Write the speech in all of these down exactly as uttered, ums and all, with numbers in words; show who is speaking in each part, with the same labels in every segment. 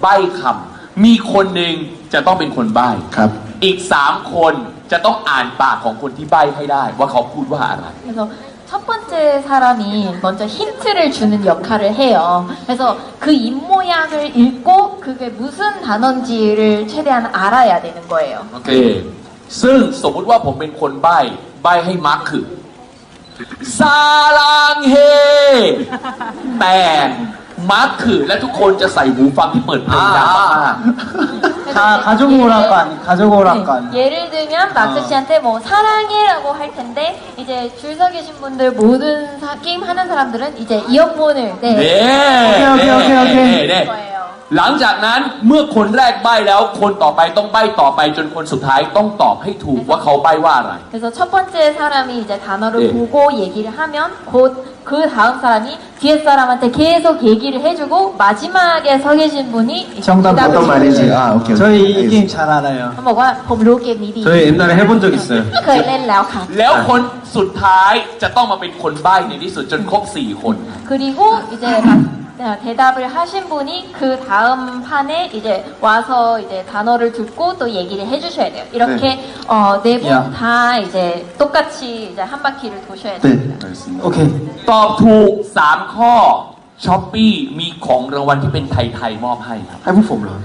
Speaker 1: ใบ้คำมีคนหนึ่งจะต้องเป็นคนใบ้ครับอีกสามคนจะต้องอ่านปากของคนที่ใบ้ให้ได้ว่าเขาพูดว่าอะไร
Speaker 2: 그래서 첫 번째 사람이 먼저 힌트를 주는 역할을 해요. 그래서 그 입모양을 읽고 그게 무슨 단어인지를 최대한 알아야 되는 거예요.
Speaker 1: โอเคซึ่งสมมุติว่าผมเป็นคนใบ้ใบ้ให้มาร์คคือซาลังเฮแต่มาร์คคือและทุกคนจะใส่หูฟังที่เปิดเพลงดังมาก
Speaker 3: 가, 가족 오락관, 가족 오락관.
Speaker 2: 네, 예를 들면 마크 씨한테 뭐 사랑해라고 할 텐데 이제 줄 서 계신 분들 모든 사, 게임 하는 사람들은 이제 이어폰을
Speaker 1: ๆเน่
Speaker 2: 네.
Speaker 3: โอเคโอเคโอเค
Speaker 1: เน่
Speaker 2: 거예요.
Speaker 1: หลังจากนั้นเมื่อคนแรกใบ้แล้วคนต่อไปต้องใบ้ต่อไปจนคนสุดท้ายต้องตอบให้ถูกว่าเขาใบ้ว่าอะไร
Speaker 2: 그래서 첫 번째 사람이 이제 단어를
Speaker 1: 네.
Speaker 2: 보고 얘기를 하면 곧 그 다음 사람이 뒤에 사람한테 계속 얘기를 해주고 마지막에 서 계신 분이
Speaker 3: 정답
Speaker 2: 대답을
Speaker 3: 어떤 말인지.
Speaker 2: 해주세요.
Speaker 4: 아 오케이.
Speaker 3: 저희 이 게임 잘 알아요.
Speaker 2: เขาบอกว่าผมรู้เกมนี้ดี
Speaker 4: 저희 옛날에 해본 적 있어요.
Speaker 2: เคยเล่นแล้วค่ะ
Speaker 1: แล้วคนสุดท้ายจะต้องมาเป็นคนใบ้ในที่สุดจนครบสี่คน
Speaker 2: 그리고 이제 대답을 하신 분이 그 다음 판에 이제 와서 이제 단어를 듣고 또 얘기를 해주셔야 돼요. 이렇게 어, 네 분 다 이제 똑같이 이제 한 바퀴를 도셔야
Speaker 4: 네,
Speaker 2: 됩니다.
Speaker 4: 알겠습니다.
Speaker 3: 오케이.
Speaker 1: ตอบถูกสามข้อช้อปปี้มีของรางวัลที่เป็นไทยๆมอบให้ครับ
Speaker 4: ให้พวกผมเหรอ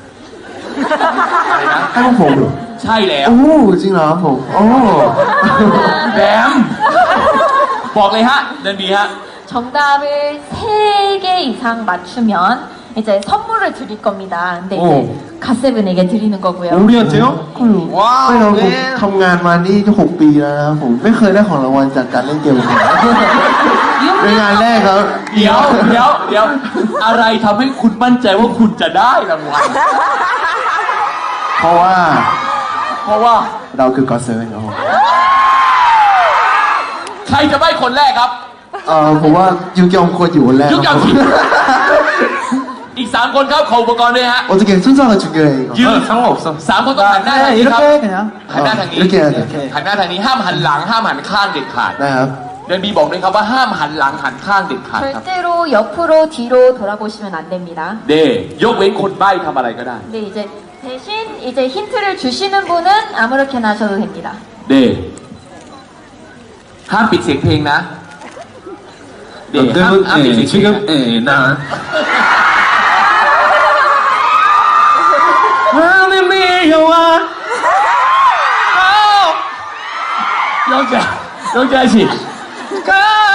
Speaker 1: อะไรนะ
Speaker 4: ให้พวกผมเหรอ
Speaker 1: ใช่แล้ว
Speaker 4: โอ้จริงเหรอผมโอ้
Speaker 1: แบมบอกเลยฮะเดินบีฮะ
Speaker 2: 정답을 세 개 이상 맞추면 이제 선물을 드릴 겁니다. 근데 이제 갓세븐에게 드리는 거고요.
Speaker 4: 우리한테요?
Speaker 1: ว้าว
Speaker 4: ไม่เราผมทำงานมานี่หกปีแล้วนะครับผมไม่เคยได้ของรางวัลจากการเล่นเกมเลยเป็นงานแรกครับ
Speaker 1: เดี๋ยวเดี๋ยวเดี๋ยวอะไรทำให้คุณมั่นใจว่าคุณจะได้รางวัล
Speaker 4: เพราะว่า
Speaker 1: เพราะว่า
Speaker 4: เราคือก็อตเซเว่นครับผม
Speaker 1: ใครจะใบ้คนแรกครับ
Speaker 4: เออผมว่ายุกยองควรอยู่คนแรก
Speaker 1: ยุกยอง
Speaker 4: ครับผม
Speaker 1: อีกสามคนครับขออุปกรณ์ด้วยฮะ
Speaker 4: 어떻게 순서가 중요해 이거
Speaker 1: ยืนสามคนต้องหันหน้าทางนี้ครับ
Speaker 3: 이렇게 그냥.
Speaker 1: หันหน้าทางนี้
Speaker 4: 이렇게 해야 돼
Speaker 1: หันหน้าทางนี้ห้ามหันหลังห้ามหันข้างเด็ดขาด
Speaker 4: นะครับ
Speaker 1: เดินบีบอกด้วยครับว่าห้ามหันหลังหันข้างเด็ดขาดครับ
Speaker 2: 절대로 옆으로 뒤로 돌아보시면 안 됩니다.
Speaker 1: เดยกเว้นคนใบ้ทำอะไรก็ได้
Speaker 2: 근데 이제 대신 이제 힌트를 주시는 분은 아무렇게나 하셔도 됩니다.
Speaker 1: เดห้ามปิดเสียงเพลงนะเดห้ามห้ามปิดเสียงเพลงนะ
Speaker 4: 예, 나
Speaker 1: 하늘 미여와 영자 영자씨 가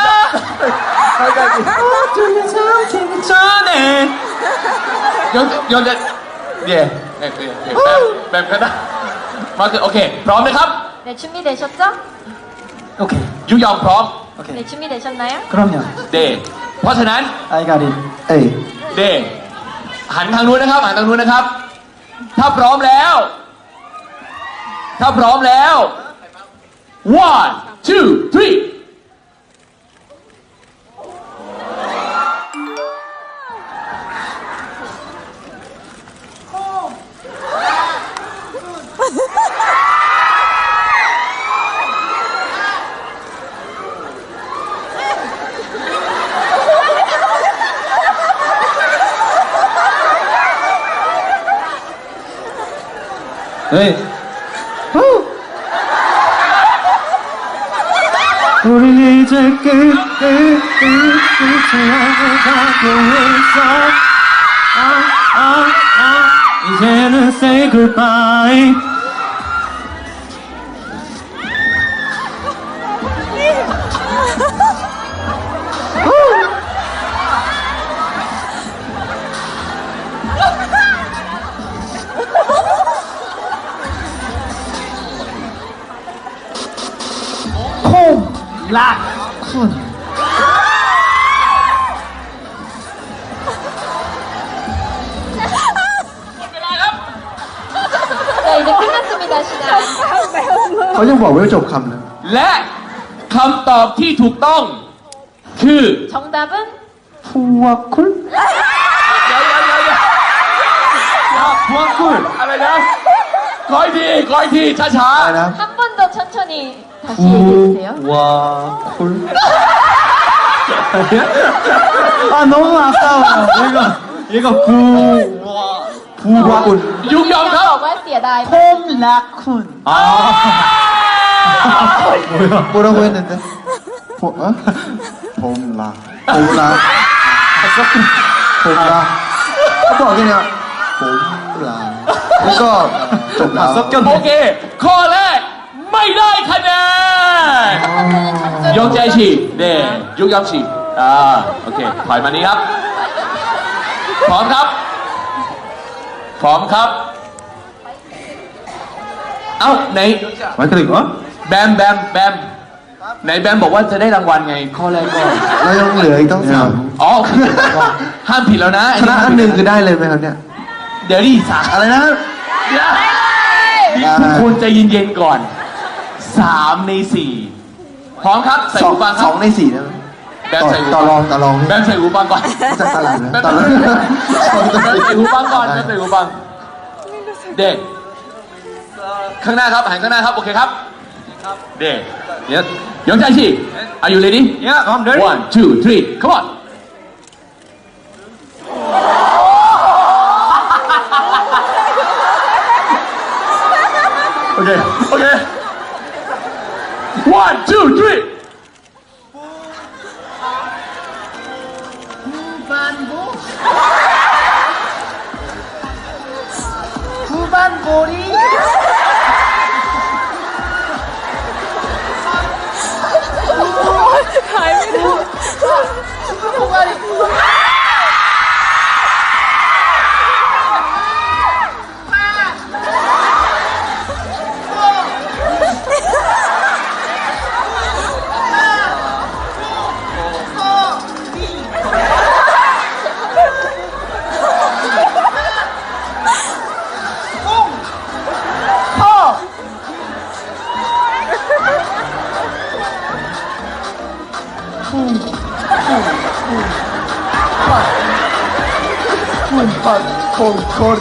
Speaker 1: 영자씨 어둠에 잠기기 전에 영 영자 예 네, 네, 네, 뱀, 뱀 가다 마크 오케이 พร้อมนะครับ
Speaker 2: 네, 준비되셨죠?
Speaker 3: 오케이.
Speaker 1: ยุยอมพร้อม
Speaker 3: 오케이.
Speaker 2: 네, 준비되셨나요?
Speaker 3: 그럼요.
Speaker 1: เดเพราะฉะนั้น
Speaker 3: I got it.
Speaker 4: 에이
Speaker 1: เดหันทางนู้นนะครับหันทางนู้นนะครับ ถ้าพร้อมแล้ว ถ้าพร้อมแล้ว one two three
Speaker 4: 네. 우린 이제 끝, 끝, 끝, 끝을 가고 있어. 아, 아, 아, 이제는 say goodbye.
Speaker 3: 락쿤.
Speaker 2: 자, 이제 끝났습니다, 시간.
Speaker 4: เขายังบอกไม่จบคำเลย
Speaker 1: และคำตอบที่ถูกต้อง คือ
Speaker 2: 정답은
Speaker 4: 푸와쿨?
Speaker 1: เดี๋ยวเดี๋ยวเดี๋ยวเดี๋ยวพวงคุณอะไรนะคอยทีคอยทีช้าช้า
Speaker 4: อะไรนะ
Speaker 2: 한 번 더 천천히 다시 얘기해주세요.
Speaker 4: 푸와쿨?
Speaker 3: 아, 너무 아까워요. 이거. 얘가 구, 와,
Speaker 4: ผู้ว่าอุ่น
Speaker 1: ยุกยอมค
Speaker 2: เขา
Speaker 1: รับ
Speaker 2: บอกว่าเสียดาย
Speaker 3: 폼, 라쿤.
Speaker 1: 아
Speaker 3: 뭐야?
Speaker 4: 뭐라고 했는데? 보, 어? 봄라 봄라 봄라 한번 그냥 봄라 이거 봄라
Speaker 1: โอเค ข้อแรก ไม่ได้คะแนน ยกใจฉีกเน่ยุกยอมฉีกอ่า โอเค ถอยมานี้ครับ พร้อมครับ พร้อมครับ เอ้าไหน
Speaker 4: 마이크를 이거?
Speaker 1: แบมแบมแบมไหนแบมบอกว่าจะได้รางวัลไง ข้อแรกก็
Speaker 4: เรายังเหลืออีกต้องสาม
Speaker 1: อ๋อโอเคห้ามผิดแล้วนะ
Speaker 4: ชนะอันหนึ่งคือได้เลยไหมครับเนี่ย
Speaker 1: เดี๋ยวดิสาม
Speaker 4: อะไรนะ
Speaker 1: เดี๋ยวทุกคนใจเย็นๆก่อนสามในสี่พร้อมครับ ใส่
Speaker 4: สอง
Speaker 1: หูฟังค
Speaker 4: ส
Speaker 1: รั
Speaker 4: อบ งในสี่นะ
Speaker 1: แบมใส่หู
Speaker 4: ต่อ
Speaker 1: ฟัง
Speaker 4: รองต่อรอง
Speaker 1: แบมใส่หูฟังก่อน
Speaker 4: จะตลาดนะ
Speaker 1: แบม
Speaker 4: ต่อรอง
Speaker 1: ใส่หูฟังก่อนแบมใส่หูฟังเด็กข้างหน้าครับหันข้างหน้าครับโอเคครับเด็กเดี๋ยวยองใจฉีก Are you ready?
Speaker 3: Yeah, I'm ready.
Speaker 1: One, two, three, come on. Okay, okay. One, two, three.
Speaker 3: 후반골이.
Speaker 4: 후반골거리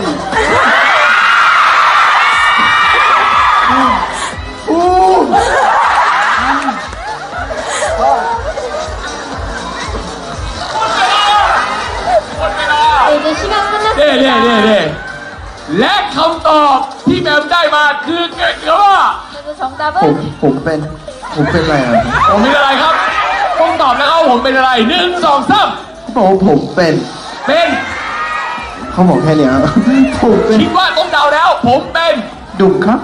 Speaker 2: 네, 이제 시간
Speaker 1: เน่เน่
Speaker 2: 끝났습니다.
Speaker 1: เน่เน่และคำตอบที่แบมได้มาคือเกิดกับว่า
Speaker 2: 그래서
Speaker 4: ผม
Speaker 2: 정답은
Speaker 4: ผมเป็นผมเป็นอะไรอ่ะ
Speaker 1: ผมเป็นอะไรครับ ต้องตอบแล้วครับผมเป็นอะไรหนึ่งสองสาม
Speaker 4: เขาบอกว่าผมเป็น
Speaker 1: เป็น
Speaker 4: เขาบอกแค่เนี้ยผมเป็น
Speaker 1: คิดว่าต้องเดาแล้ว ผมเป็น
Speaker 4: ดุมครับ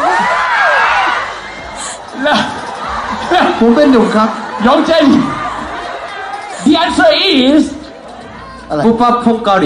Speaker 1: และและ
Speaker 4: ผมเป็นดุมครับ
Speaker 1: ยองเจน The answer is
Speaker 4: อะไร
Speaker 3: 푸파 퐁가리.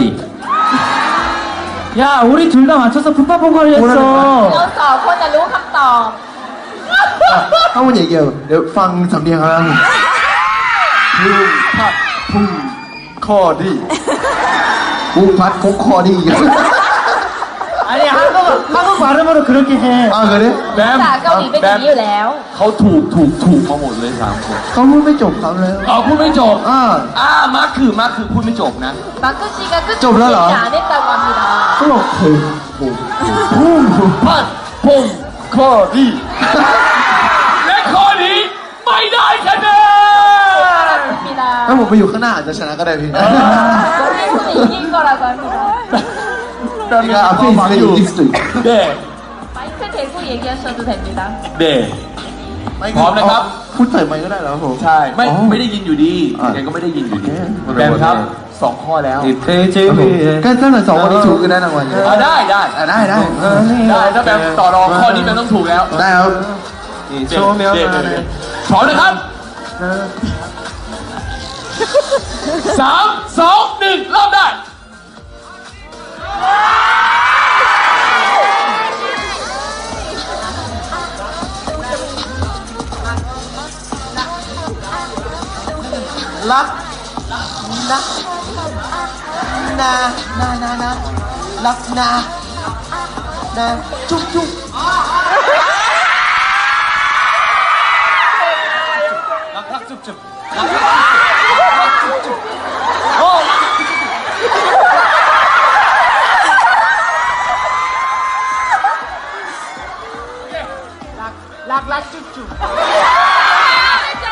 Speaker 3: 야, 우리 둘 다 맞춰서 푸파 퐁가리
Speaker 4: 뭐라는
Speaker 3: 했어.
Speaker 2: เราสองคนจะรู้คำตอบ
Speaker 4: ถ้ามันอย่างเงี้ยเดี๋ยวฟังสำเนียงเขาแล้วพุ่งพัดพุ่งคอดีพุ่งพัดพุ่งคอดี
Speaker 3: 아니, 한국, 한국 발음으로 그렇게 해.
Speaker 4: อ้าวเลย
Speaker 1: แบม
Speaker 2: ภาษาเกาหลีเป็นอย่างนี้อยู่แล้ว
Speaker 1: เขาถูกถูกถูกมาหมดเลยสามคน
Speaker 4: เขาพูดไม่จบครับเลย
Speaker 1: อ๋อพูดไม่จบ
Speaker 4: อ่า
Speaker 1: อ่ามาร์คคือมาร์คคือพูดไม่จบนะ
Speaker 2: 마크 씨가 끝
Speaker 4: 좀 올라라.
Speaker 2: 얘기 안 했다고 합니다.
Speaker 4: เขาบอกผมผมพุ่ง
Speaker 1: พัดพง
Speaker 4: คอดี
Speaker 1: และข้อนี้ไม่ได้คะแนน
Speaker 2: 합니다.
Speaker 4: ถ้าผมไปอยู่ข้างหน้าอาจจะชนะก็ได้พี่
Speaker 2: 선생님은 이길 거라고 합니다.
Speaker 4: ก็อาพี่มาอยู่อีกสุด
Speaker 1: เด้
Speaker 2: 마이크 대고 얘기하셔도 됩니다.
Speaker 1: เด้พร้อมนะครับ
Speaker 4: พูดใส่ไมค์ก็ได้แล้วผม
Speaker 1: ใช่ ไม่
Speaker 4: อ๋อ
Speaker 1: ไม่ได้ยินอยู่ดี
Speaker 4: อ่ะ
Speaker 1: ยังไงก็ไม่ได้ยินอยู่ดี
Speaker 4: โอเค
Speaker 1: แบมครับสองข้อแล้ว
Speaker 3: 이 돼지
Speaker 4: ก็ถ้าเกิดสองวันนี้ถูกก็ได้รางวัลเลย
Speaker 1: อ่ะได้ได้
Speaker 4: อ่ะได้ได้
Speaker 1: ได้ถ้าแบมต่อรองข้อนี้แบมต้องถูกแล้ว
Speaker 4: ได้ครับ
Speaker 3: 이
Speaker 1: เด้เด้เด้
Speaker 3: 소명하네.
Speaker 1: เด้พร้อมนะครับสามสองหนึ่งเริ่มได้
Speaker 4: รักนะนานานานารักนานาจุ๊บจุ๊บ
Speaker 3: 락락쭉쭉.
Speaker 4: 락락쭉쭉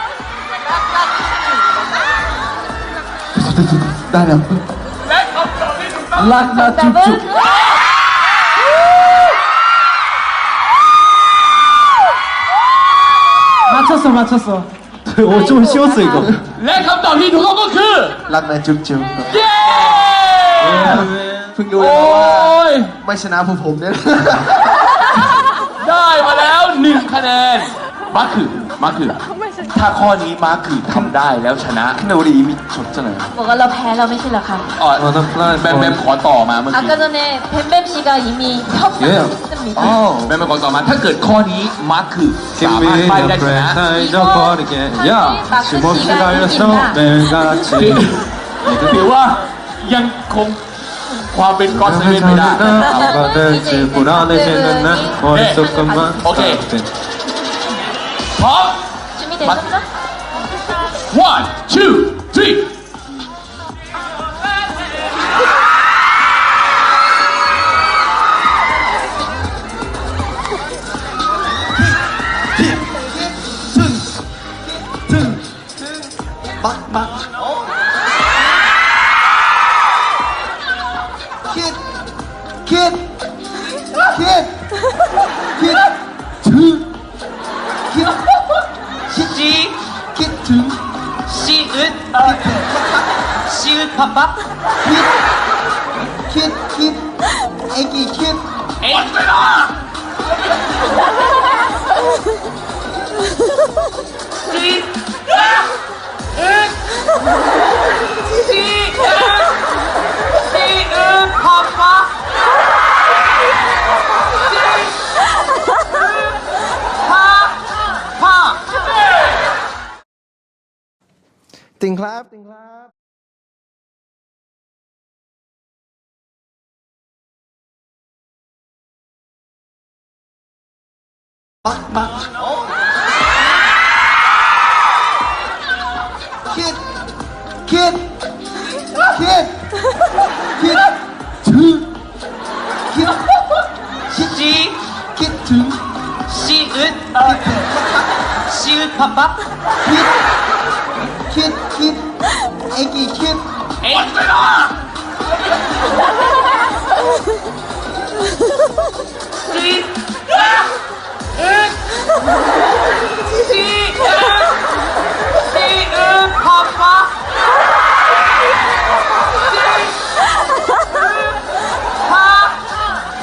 Speaker 4: ได้แล้ว
Speaker 1: และคำตอบ
Speaker 3: 락나
Speaker 2: 정답은
Speaker 3: 쭉쭉. 맞췄어, 맞췄어. 오, 좀 쉬웠어, 이거.
Speaker 1: และคำตอบที่ถูกต้องก็คือ
Speaker 4: รักนะจุ๊บจุ๊บ
Speaker 1: เย้
Speaker 4: เพิ่งรู้
Speaker 1: โอ้
Speaker 4: เลยนะว่าย ไม่ชนะพวกผมเนี่ย
Speaker 1: ได้มาแล้วหนึ่งคะแนนมาร์คคือมาร์คคือถ้าข้อนี้มาร์คคือทำได้แล้วชนะ
Speaker 4: 근데 우리 이미 졌잖아요.
Speaker 2: 뭐가 러 패러 미실라 칸.
Speaker 1: อ๋อแบมแบมขอต่อมาเมื่อกี้
Speaker 2: 아까 전에 뱀뱀 씨가 이미 협상했습니다.
Speaker 1: แบมแบมขอต่อมาถ้าเกิดข้อนี้มาร์คคือสามารถไปได้ชนะ
Speaker 3: 다 잊어버리게. 야, 쉼없이 달려서 매일같이.
Speaker 1: ถือว่ายังคงความเป็นก็อดเซเว่นไม่ได้
Speaker 3: 뭐가 될지 불안해지는 날 머릿속만.
Speaker 1: 오케이. พร้อม
Speaker 2: 준비되셨죠?
Speaker 1: one two three
Speaker 4: 막, 막. 킷, 킷, 킷, 킷, 드, 킷,
Speaker 3: 시,
Speaker 4: 킷, 드,
Speaker 3: 시읒, 시읒 팝팝.
Speaker 4: 킷, 킷, 킷, 애기 킷,
Speaker 1: หมดเวลา
Speaker 3: 시, 시읒 팝팝. 파, 파.
Speaker 4: ติงครับติงครับ ปักปักคิดคิดคิดคิดถึงคิดคิด
Speaker 3: 시,
Speaker 4: คิดถึง
Speaker 3: 시읒, 시읒 팝팝.
Speaker 4: คิดคิดคิดไอ้กี่คิด
Speaker 1: หมดเวลา
Speaker 3: 시, 읒, 시읒, 시읒 팝팝. 파, 파.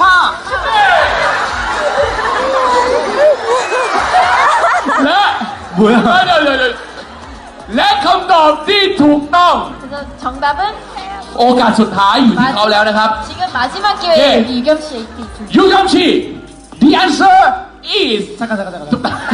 Speaker 1: และ
Speaker 3: 뭐야?
Speaker 1: เดี๋ยวเดี๋ยวเดี๋ยวและคำตอบที่ถูกต้อง
Speaker 2: 그래서 정답은
Speaker 1: โอกาสสุดท้ายอยู่ที่เขาแล้วนะครับ
Speaker 2: 지금 마지막 기회에
Speaker 1: 예.
Speaker 2: 우리 유겸 씨의 이
Speaker 1: ยูคัมชี the answer is
Speaker 3: 잠깐, 잠깐, 잠깐.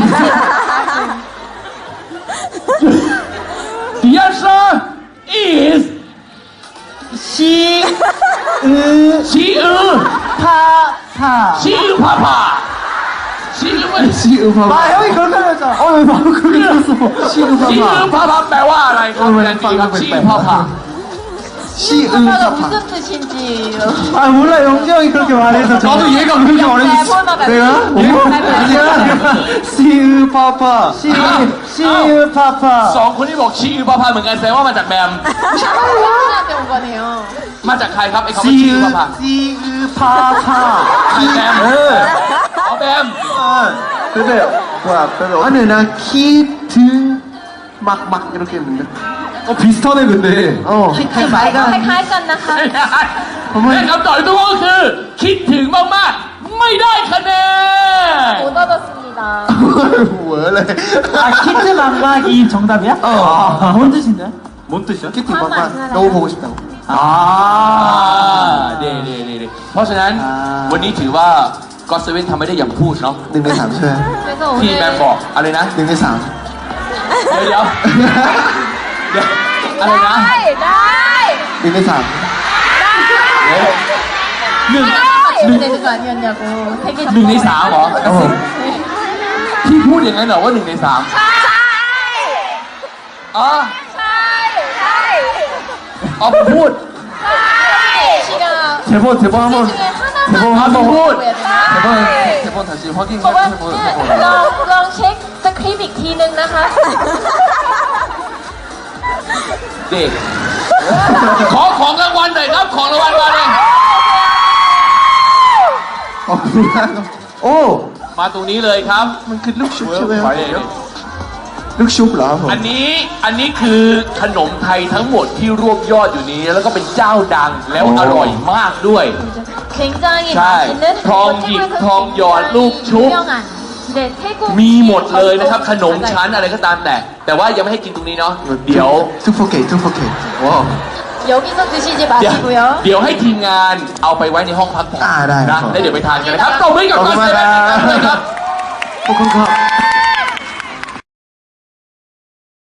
Speaker 1: the answer is
Speaker 3: 시, 으,
Speaker 1: ชีอือ
Speaker 3: 파, 파.
Speaker 1: ชีอือพาพาชีอือไม่
Speaker 4: ชีอือพาพา
Speaker 3: 아, 형이 그렇게 하셨잖아. 어, 왜 바로 그렇게 들었어.
Speaker 4: ชีอือพา
Speaker 1: ชี
Speaker 4: พา
Speaker 1: อือพาพาแปลว่าอะไรครับแทนทีครับชีอือพาพา
Speaker 4: ชีอือ
Speaker 2: 파파가
Speaker 4: พาพา
Speaker 2: 무슨 뜻인지요?
Speaker 3: 아, 몰라. 영재 형이 그렇게 말해서.
Speaker 1: 나도 얘가 그렇게 말했어.
Speaker 3: 내가?
Speaker 2: 아니야.
Speaker 3: 시으 파파. 시, 시으 파파.
Speaker 1: สองคนที่บอกชีอือพาพาเหมือนกันแสดงว่ามาจากแบม
Speaker 2: 한테 온 거네요.
Speaker 1: มาจากใครครับไอ้คำว่าชีอือพาพา
Speaker 3: 시으 파파.
Speaker 1: ใครแบม
Speaker 3: 응.
Speaker 1: อ๋อแบม
Speaker 4: 근데 뭐야 별로 아니 나 키드 막막 이렇게 했는데
Speaker 3: 어, 비슷하네, 근데.
Speaker 4: 어
Speaker 2: 칼칼 깐나카.
Speaker 1: และคำตอบที่ถูกต้องก็คือ คิดถึงมากๆ ไม่ได้คะแนน
Speaker 2: 못 얻었습니다.
Speaker 4: 원래
Speaker 3: 아, 키트 망막이 정답이야?
Speaker 4: 어.
Speaker 3: 아, 뭔 뜻인데? 뭔 뜻이야?
Speaker 4: 키티 막막 너무 보고 싶다고
Speaker 1: อ่า
Speaker 3: 아.
Speaker 1: เด่เด่เด่เพราะฉะนั้น
Speaker 3: อ่า
Speaker 1: วันนี้ถือว่าก็เซเว่นทำไม่ได้อย่างพูดเนาะ
Speaker 4: หนึ่งในสามใช่ไหม
Speaker 2: 그래서
Speaker 1: ที่แบม
Speaker 2: 오늘
Speaker 1: บอกอะไรนะ
Speaker 4: หนึ่งในสาม
Speaker 1: เดี๋ยวเดี๋ยวเดี๋ยวอะไรนะ
Speaker 2: 나이 나이
Speaker 4: หนึ่งในสาม
Speaker 1: หนึ่ง
Speaker 2: 이렇게 되는 거 아니었냐고. 되게
Speaker 1: หนึ่งในสามเหรอ
Speaker 4: ครับผม
Speaker 1: ที่พูดอย่างนั้นเหรอว่าหนึ่งในสามอ๋อ อ๋อผมพูด
Speaker 2: 씨가
Speaker 3: 대본, 대본
Speaker 2: 이
Speaker 3: 한번.
Speaker 2: 중에 하나만
Speaker 3: 대본 한번.
Speaker 1: hold.
Speaker 2: 보여야 되나?
Speaker 4: 대본 대본 다시 확인해
Speaker 2: 저번
Speaker 4: 보세요
Speaker 2: 네,ลองลองเช็คสคริปต์อีกทีนึงนะคะ
Speaker 1: เด็ก ขอของรางวัลหน่อยครับ ของรางวัลมาเลย
Speaker 4: โอ้
Speaker 1: มาตรงนี้เลยครับ
Speaker 4: มันคือลูกชุบใช่ไหมค
Speaker 1: ไป
Speaker 4: รับ
Speaker 1: เลย
Speaker 4: ลูกชุบเหรอครับผม
Speaker 1: อันนี้อันนี้คือขนมไทยทั้งหมดที่รวบยอดอยู่นี้ แล้วก็เป็นเจ้าดังแล้วอร่อยมากด้วย
Speaker 2: 굉장히
Speaker 1: 자,
Speaker 2: 맛있는
Speaker 1: 덩 잎, 덩 열, 룩, 촉.
Speaker 2: 유명한 네, 태국
Speaker 1: มีหมดเลยนะครับขนมชั้นอะไรก็ตามแต่ แต่ว่ายังไม่ให้กินตรงนี้เนาะเดี๋ยว
Speaker 4: ทูโฟเกตทูโฟเกตว้าว
Speaker 2: 여기서 드시지
Speaker 1: เดี๋ยว
Speaker 2: 마시고요.
Speaker 1: เดี๋ยวให้ทีมงานเอาไปไว้ในห้องพักผ่อน
Speaker 4: อ่าได้ครั
Speaker 1: นะ
Speaker 4: บ
Speaker 1: แล้วเดี๋ยวไปทานกันนะครับตบมือกับ
Speaker 4: ขอบ
Speaker 1: ก้
Speaker 4: คุ
Speaker 1: อน
Speaker 4: ณ
Speaker 1: เซ
Speaker 4: มาก
Speaker 1: เว่น
Speaker 4: ครับ
Speaker 1: เลยครับ
Speaker 4: ขอบคุณครับ